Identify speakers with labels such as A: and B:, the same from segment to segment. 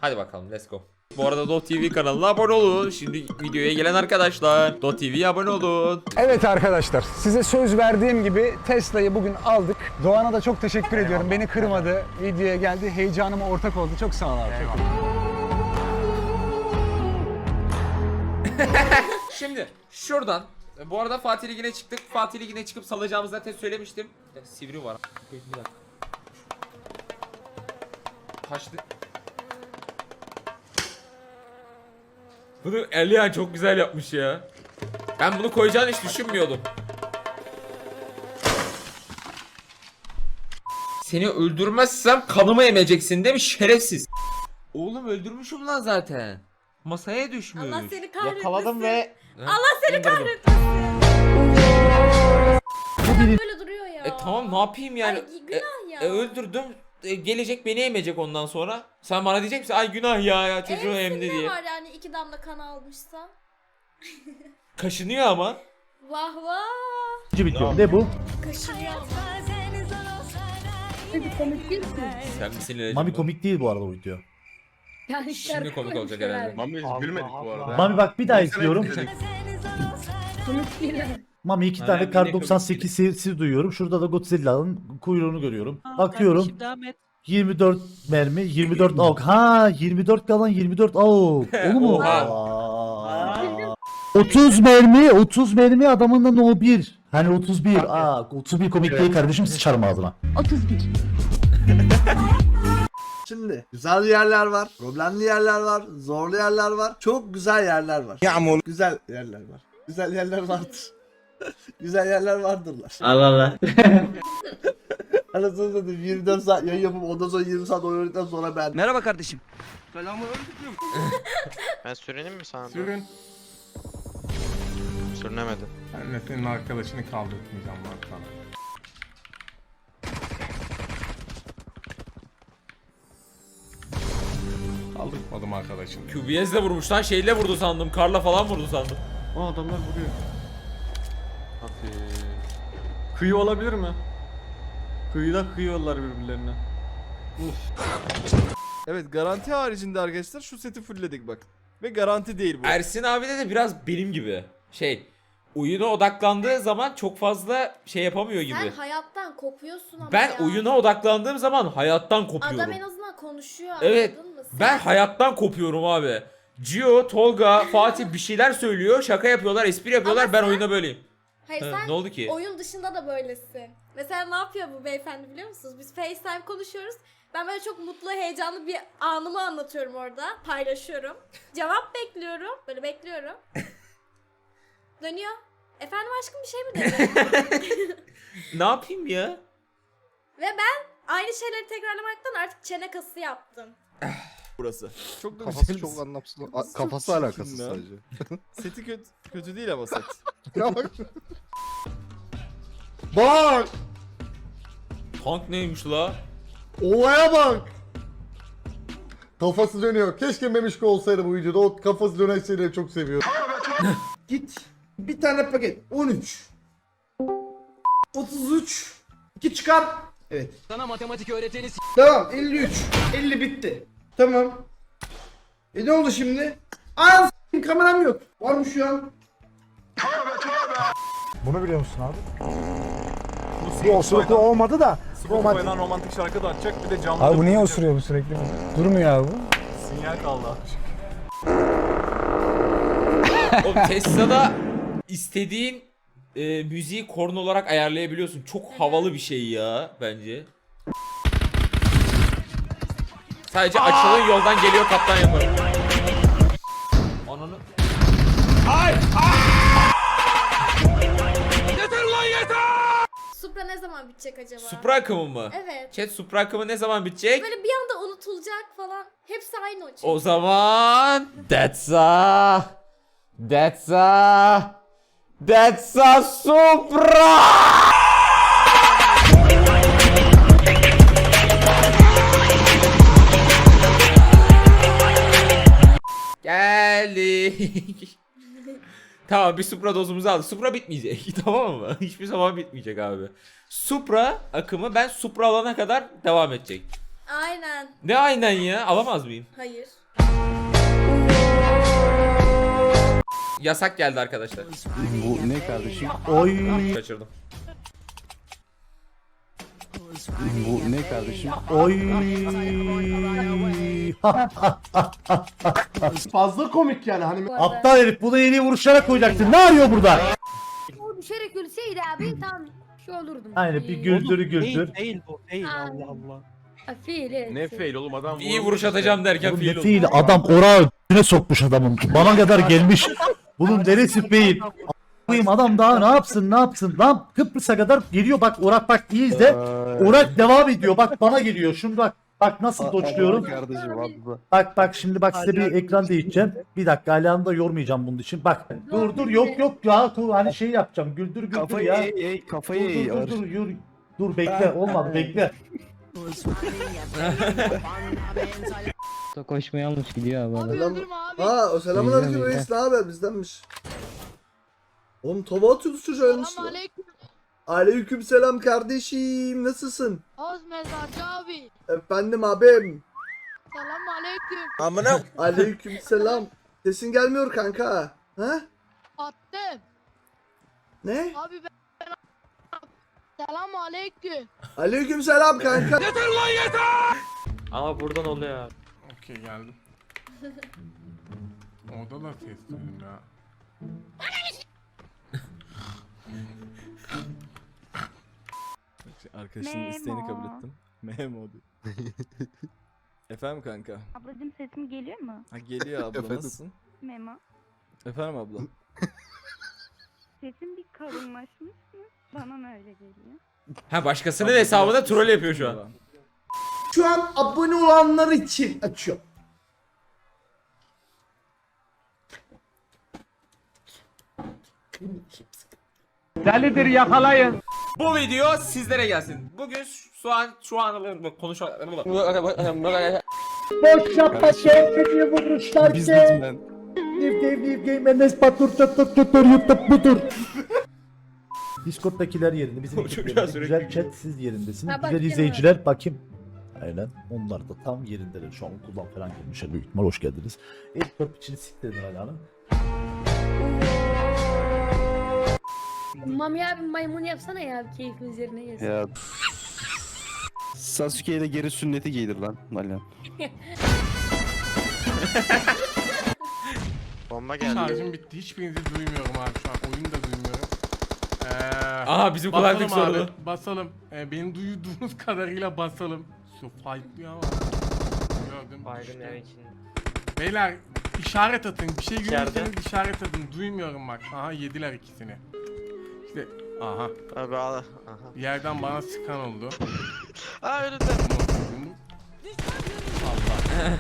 A: Hadi bakalım, let's go. Bu arada Dot TV kanalına abone olun. Şimdi videoya gelen arkadaşlar Dot TV'ye abone olun.
B: Evet arkadaşlar, size söz verdiğim gibi Tesla'yı bugün aldık. Doğan'a da çok teşekkür ediyorum. Beni kırmadı, videoya geldi, heyecanıma ortak oldu. Çok sağ ol abi.
A: Şimdi şuradan, bu arada Fatih Ligi'ne çıktık. Fatih Ligi'ne çıkıp salacağımızı zaten söylemiştim. Sivri var. Bir dakika. Kaçtı. Bunu Elian çok güzel yapmış ya. Ben bunu koyacağını hiç düşünmüyordum. Seni öldürmezsem kanımı emeceksin değil mi şerefsiz? Oğlum öldürmüşüm lan zaten. Masaya düşmüş.
C: Allah seni kahretmesin.
D: Yakaladım ve
C: Allah seni
A: İndirdim.
C: kahretmesin. Böyle duruyor ya.
A: Tamam ne yapayım yani?
C: Ay günah ya.
A: Öldürdüm. Gelecek beni emecek ondan sonra. Sen bana diyecek misin? Ay günah ya çocuğu emdi
C: Ne
A: diye.
C: var yani 2 damla kan almışsa?
A: Kaşınıyor ama.
C: Vah vah.
D: bitiyor. Ne bu?
C: Kaşınıyor ama.
A: Sen misin Leleciğim?
D: Mami komik değil bu arada o video.
A: Şimdi komik olacak herhalde.
E: Mami hiç gülmedik bu arada.
D: Mami bak bir daha izliyorum.
F: Komik değil.
D: Mami 2 tane
A: Aynen,
D: Kar
A: yine
D: 98 sesi duyuyorum. Şurada da Godzilla'nın kuyruğunu görüyorum. Bakıyorum.
F: Kardeşim, devam et.
D: 24 mermi, 24 AUK. Ha 24 kalan 24 AUK. Olur mu?
A: Oha.
D: Aa. 30 mermi, 30 mermi adamın da no 1. Hani 31. Aa 31 komik değil kardeşim, sıçarım ağzına.
F: 31.
G: Şimdi güzel yerler var, problemli yerler var, zorlu yerler var, çok güzel yerler var. Yağmur. Güzel yerler var. Güzel yerler vardır. Güzel yerler vardırlar.
H: Allah Allah.
G: Anasını satayım 24 saat yayın yapıp ondan sonra 20 saat oynadıktan sonra ben.
H: Merhaba kardeşim.
I: Ben sürenim mi sandın?
E: Sürün.
I: Sürünemedi.
E: Ben de senin arkadaşını kaldırtmayacağım bak sana. Kaldırtmadım arkadaşını.
A: QBS'le vurmuş lan, şeyle vurdu sandım. Karla falan vurdu sandım.
E: O adamlar vuruyor. Kıyı olabilir mi? Kıyıda kıyıyorlar birbirlerine.
J: Evet, garanti haricinde arkadaşlar şu seti fullledik bak. Ve garanti değil bu.
A: Ersin abi de biraz benim gibi. Oyuna odaklandığı zaman çok fazla şey yapamıyor gibi.
C: Sen hayattan kopuyorsun ama
A: Ben
C: ya.
A: oyuna odaklandığım zaman hayattan kopuyorum.
C: Adam en azından konuşuyor,
A: Evet,
C: anladın mı? Sen-
A: ben hayattan kopuyorum abi. Gio, Tolga, Fatih bir şeyler söylüyor, şaka yapıyorlar, espri yapıyorlar,
C: Ama
A: ben
C: sen-
A: oyunda böyleyim.
C: Hayır
A: Ha,
C: sen
A: ne oldu ki?
C: oyun dışında da böylesin. Mesela ne yapıyor bu beyefendi biliyor musunuz? Biz FaceTime konuşuyoruz. Ben böyle çok mutlu, heyecanlı bir anımı anlatıyorum orada. Paylaşıyorum. Cevap bekliyorum. Böyle bekliyorum. Dönüyor. Efendim aşkım bir şey mi dedi?
A: Ne yapayım ya?
C: Ve ben aynı şeyleri tekrarlamaktan artık çene kası yaptım.
J: Burası. Çok da
G: Kafası
J: güzel.
G: çok anlamsız.
J: Kafası
G: Kafası
J: çok
G: alakasız
J: çirkin ya.
G: sadece.
J: Seti kötü değil ama set.
G: Ya bak. Bak!
A: Tank neymiş la?
G: Olaya bak! Kafası dönüyor. Keşke Memişko olsaydı bu videoda. O kafası dönen şeyleri çok seviyorum. Git. Bir tane paket. 13. 33. 2 çıkar. Evet.
H: Sana matematik öğreteni
G: Tamam 53. 50 bitti. Tamam. Ne oldu şimdi? Aa kameram yok. Var mı şu an?
B: Bunu biliyor musun abi? Bu osuruklu olmadı da.
E: Spotify'dan romantik şarkı da açacak, bir de canlı.
B: Abi bu niye osuruyor bu sürekli? Durmuyor abi bu.
E: Sinyal kaldı.
A: Oğlum Tesla'da istediğin müziği korna olarak ayarlayabiliyorsun. Çok havalı bir şey ya bence. Sadece açılın yoldan geliyor kaptan yaparım. Ananı...
C: Supra ne zaman bitecek acaba?
A: Supra akımı mı?
C: Evet.
A: Chat Supra akımı ne zaman bitecek?
C: Böyle bir anda unutulacak falan. Hepsi aynı o çünkü.
A: O zaman... That's a Supra! Geldik. Tamam, bir Supra dozumuzu aldık. Supra bitmeyecek tamam mı? Hiçbir zaman bitmeyecek abi. Supra akımı ben Supra alana kadar devam edecek.
C: Aynen.
A: Ne aynen ya? Alamaz mıyım?
C: Hayır.
A: Yasak geldi arkadaşlar.
D: Bu ne kardeşim? Oy.
A: Kaçırdım.
D: Bu ne kardeşim? Oy.
G: Fazla komik yani hani.
D: Aptal herif bunu en iyi vuruşlara koyacaksın. Ne arıyor burada?
F: O düşerek ölseydi abi tam şey olurdum.
D: Aynen bir güldür güldür.
H: Değil bu. Değil
F: Aa.
H: Allah Allah.
F: Fiil evet.
E: Ne fail oğlum adam
A: İyi vuruş atacağım derken
D: Oğlum
A: fiil
D: ne
A: oldu.
D: fiil adam orağı ne sokmuş adamın. Bana kadar gelmiş. Bunun neresi fiil? Koyayım adam daha ne yapsın lan Kıbrıs'a kadar geliyor bak Orak bak iyi izle. Orak devam ediyor bak bana geliyor. Şunu bak nasıl doçluyorum. Bak şimdi bak size bir ekran değişeceğim. Bir dakika Alihan'ı da yormayacağım bunun için. Bak dur yok ya hani şey yapacağım güldür ya.
H: Kafayı
D: Dur bekle olmadı bekle.
H: Koşmaya almış gidiyor abi.
G: Selam. Ha o selamun aleyküm reis, ne haber, bizdenmiş. Oğlum tava atıyoruz çocuğa yanlış mı? Aleyküm selam kardeşim, nasılsın?
F: Oz mezarcı abi.
G: Efendim abim.
F: Selam aleyküm.
A: Amına.
G: Aleyküm selam. Sesin gelmiyor kanka. Ha?
F: Attım.
G: Ne?
F: Abi ben selam aleyküm.
G: Aleyküm selam kanka.
H: Ama buradan oluyor abi.
E: Okey geldim. Orada da ses duydum ya.
J: Arkadaşının isteğini kabul ettim. Memo diyor. Efendim kanka.
F: Ablacım sesim geliyor mu?
J: Ha geliyor abla nasılsın?
F: Memo.
J: Efendim abla.
F: Sesim bir kalınlaşmış mı? Bana mı öyle geliyor?
A: Ha başkasının hesabında troll yapıyor şu an.
G: Şu an abone olanlar için açıyor.
B: Delidir yakalayın.
A: Bu video sizlere gelsin. Bugün şu an konuşalım.
D: Boş yapma sevmediği vuruşlar ki. Liv Enes Batur çatır YouTube budur. Discord'dakiler yerinde bizim
A: O çocuğa
D: ekiplerimiz,
A: sürekli
D: güzel
A: gülüyor.
D: chat siz yerindesiniz.
F: Ha,
D: Güzel
F: bakayım.
D: izleyiciler bakayım. Aynen onlar da tam yerindeler şu an okuldan falan gelmişler büyük ihtimal hoş geldiniz. İlk top içini siktirdin hala hanım.
F: Mami abi maymun yapsana ya abi keyfimiz yerine gelsin.
H: Ya. Sasuke ile geri sünneti giydir lan Alihan.
E: Bomba geldi. Şarjım bitti. Hiçbirinizi duymuyorum abi şu an. Oyunu da duymuyorum.
A: Aha bizim kulaklık
E: Basalım
A: sorunu.
E: abi. Basalım. Beni duyduğunuz kadarıyla basalım. Su fightlıyor ama. Gördüm. düştü. Beyler işaret atın. Bir şey görürseniz işaret atın. Duymuyorum bak. Aha yediler ikisini. İşte aha.
H: Abi aha.
E: Bir yerden bana sıkan oldu.
H: Aa önünde.
E: Allah.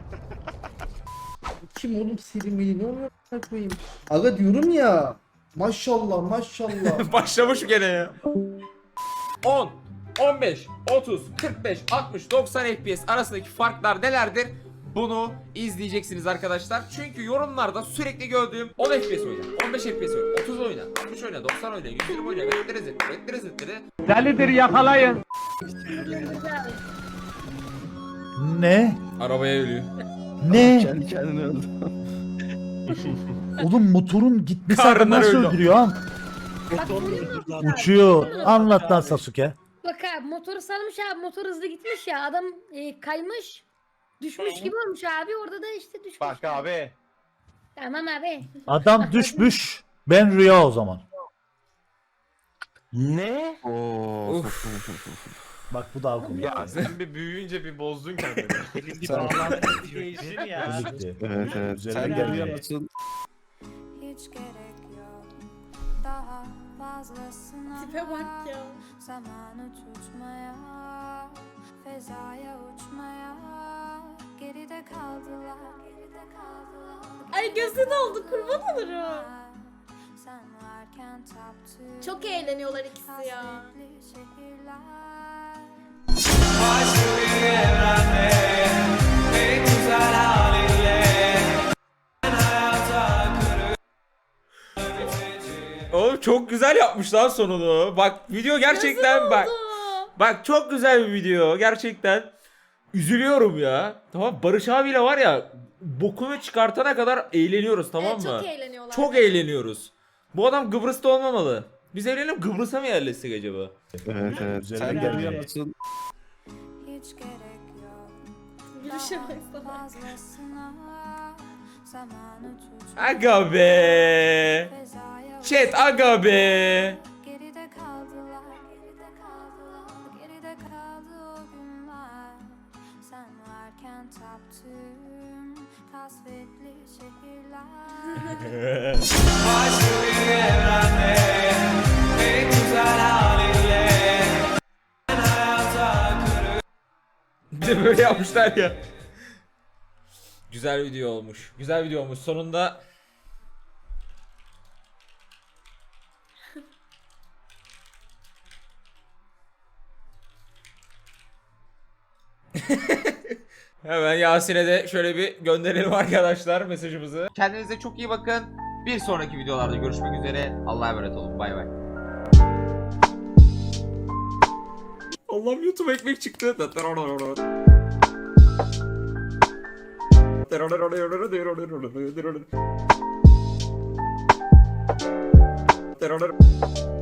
G: Kim oğlum Selim, ne oluyor koyayım? Aga diyorum ya. Maşallah.
A: Başlamış gene ya. 10, 15, 30, 45, 60, 90 FPS arasındaki farklar nelerdir? Bunu izleyeceksiniz arkadaşlar. Çünkü yorumlarda sürekli gördüğüm 10 FPS oyna, 15 FPS oyna, 30 oyna, 60 oyna, 90 oyna, 120 oyna, vektire.
B: Delidir yakalayın.
D: Ne?
A: Arabaya ölüyor.
D: Ne?
H: Kendi kendine öldü.
D: Oğlum motorun gitmesi
A: Karnlar
D: adamı nasıl
A: öldü.
D: öldürüyor ha?
F: Bak görüyor musun?
D: Uçuyor. Anlat lan Sasuke.
F: Bak abi motoru salmış abi motor hızlı gitmiş ya adam kaymış. Düşmüş gibi olmuş abi orada da işte düşmüş. Bak abi. Tamam abi.
D: Adam düşmüş. Ben rüya o zaman.
H: Ne?
D: Bak bu daha komik.
E: Sen bir büyüyünce bir bozdun kendini.
H: Elin bir bağlantı değişir ya.
D: Komikti.
H: Evet.
D: Üzerine
H: Sen
D: geldi.
H: görüyor musun?
I: Hiç gerek yok daha fazlasına.
C: Tipe bak ya.
I: Zamanı tutmaya, fezaya uçmaya. Geride kaldılar.
C: Ay gözü doldu kurban olurum.
I: Sen varken taptı.
C: Çok eğleniyorlar ikisi ya.
I: hasretli şehirler.
A: Oğlum çok güzel yapmışlar sonunu. Bak video gerçekten
C: Gözü
A: bak.
C: doldu.
A: Bak çok güzel bir video gerçekten. üzülüyorum ya. Tamam, Barış abiyle var ya bokunu çıkartana kadar eğleniyoruz, tamam
C: Evet,
A: mı?
C: çok eğleniyorlar.
A: Çok eğleniyoruz. Bu adam Kıbrıs'ta olmamalı. Biz evlenelim, Kıbrıs'a mı yerleşsek acaba?
H: Evet evet.
J: Sen görüyor musun?
I: Hiç gerek yok.
C: Gülüşe baksana.
I: Fazlasına zamanı tutma.
A: Aga be.
I: Fezaya
A: Chat aga be.
I: geride kaldılar. Geride kaldı o günler. Sen varken taptığım kasvetli şehirler.
A: Bir de böyle yapmışlar ya. Güzel video olmuş. Güzel video olmuş. Sonunda hemen Yasin'e de şöyle bir gönderelim arkadaşlar mesajımızı. Kendinize çok iyi bakın. Bir sonraki videolarda görüşmek üzere. Allah'a emanet olun. Bay bay. Allah'ım, YouTube ekmek çıktı. Terör